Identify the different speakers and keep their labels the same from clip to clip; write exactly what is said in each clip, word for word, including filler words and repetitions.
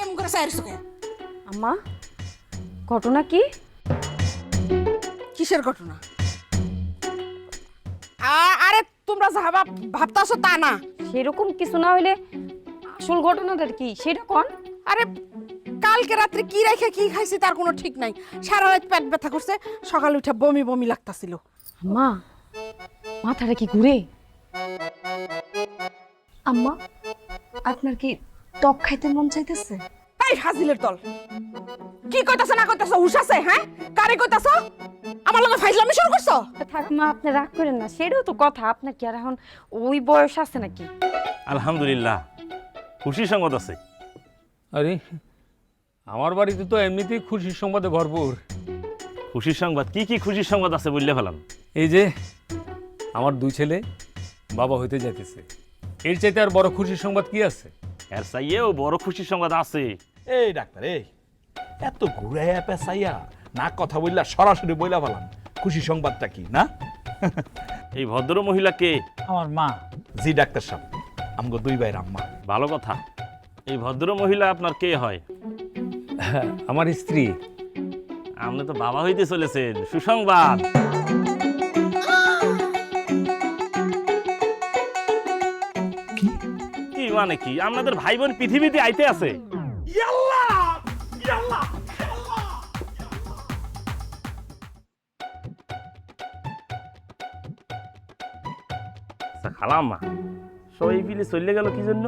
Speaker 1: এমন করে চাইছ কে?
Speaker 2: আম্মা ঘটনা কি?
Speaker 1: কিসের ঘটনা? আ- আরে তোমরা যা ভাব ভাবতাছো তা না।
Speaker 2: সেরকম কিছু না হইলে আসল ঘটনাটা কি সেটা কোন?
Speaker 1: আরে কালকে রাত্রে কি রেখে কি খাইছি তার কোনো ঠিক নাই। সারা রাত পেট ব্যথা করছে, সকালে উঠে বমি বমি লাগতাছিল।
Speaker 2: আম্মা মাথাটা কি ঘুরে? আম্মা আপনার কি টক খাইতে মন চাইতেছে?
Speaker 1: এই ফাজিলের দল, কি কইতাছ না কইতাছ হুশ আছে? হ্যাঁ, কারে কইতাছ? আমার লগে ফাইজলামি শুরু করছো?
Speaker 2: থাক মা, আপনি রাগ করেন না, সেটাও তো কথা। আপনার কি আর এখন ওই বয়স আছে নাকি?
Speaker 3: আলহামদুলিল্লাহ, খুশি সংবাদ আছে।
Speaker 4: আরে আমার বাড়িতে তো এমনিতেই খুশির সংবাদে ভরপুর।
Speaker 3: খুশির সংবাদ? কি কি খুশির সংবাদ আছে বললে ফেলাম।
Speaker 4: এই যে আমার দুই ছেলে বাবা হইতে যাইতেছে, এর চাইতে আর বড় খুশির সংবাদ কি আছে?
Speaker 3: এর চাইয়েও বড় খুশির সংবাদ আছে।
Speaker 5: এই ডাক্তার, এই এত ঘুরাইয়া পেঁচাইয়া না কথা বললা সরাসরি বইলা ফেলাম খুশি সংবাদটা কি না?
Speaker 3: এই ভদ্র মহিলাকে
Speaker 5: আমার মা। জি ডাক্তার সাহেব, আমগো দুই ভাইয়ের আম্মা।
Speaker 3: ভালো কথা। এই ভদ্র মহিলা আপনার কে হয়?
Speaker 4: আমার স্ত্রী।
Speaker 3: আপনি তো বাবা হইতে চলেছেন, সুসংবাদ।
Speaker 5: কি
Speaker 3: কি মানে কি? আপনাদের ভাই বোন পৃথিবীতে আইতে আছে। আচ্ছা, খালাম্মা সবাই পিলে চলে গেল কি জন্য?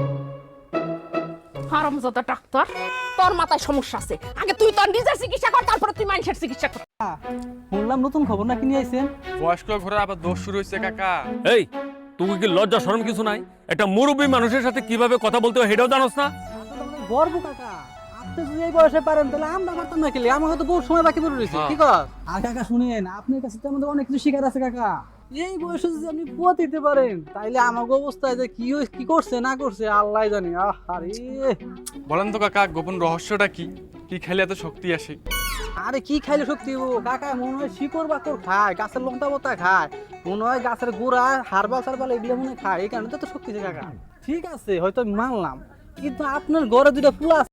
Speaker 1: হারামজাদা ডাক্তার, তোর মাথায় সমস্যা আছে। আগে তুই তোর নিজের চিকিৎসা কর, তারপর তুই মানুষের চিকিৎসা কর।
Speaker 6: শুনলাম নতুন খবর নাকি নিয়ে আইছেন?
Speaker 7: বয়স্ক ঘরে আবার দোষ শুরু হয়েছে কাকা।
Speaker 4: এই তুমি কি লজ্জা শরম কিছু নাই? একটা মুরব্বী মানুষের সাথে কিভাবে কথা বলতে হয় সেটাও জানোস না?
Speaker 6: গর্ব কাকা, আপনি যদি এই বয়সে পারেন তাহলে আমরা পারতাম না। খেলে আমাকে তো বহু সময় বাকি পড়ে রয়েছে। কি কর? আর কাকা শুনেন, আপনার কাছে তো আমাদের অনেক কিছু শিকার আছে কাকা। এই বয়সে যদি আপনি পুয়া দিতে পারেন তাইলে আমাকে অবস্থায় যে কি হই- কি করছে না করছে আল্লাহ জানে। আহ আরে
Speaker 7: বলেন তো কাকা, গোপন রহস্যটা কি? কি খেলে এত শক্তি আসে?
Speaker 6: আরে কি খাইলে শক্তি হবো কাকা? মনে হয় শিকড় বাকড় খায়, গাছের লঙ্কা পাতা খায়, মনে হয় গাছের গোড়া হারবাল সারবাল এগুলো মনে হয় খায়। এই কারণে তো এত শক্তি আছে কাকা। ঠিক আছে, হয়তো আমি মানলাম, কিন্তু আপনার ঘরে দুটা ফুল আছে।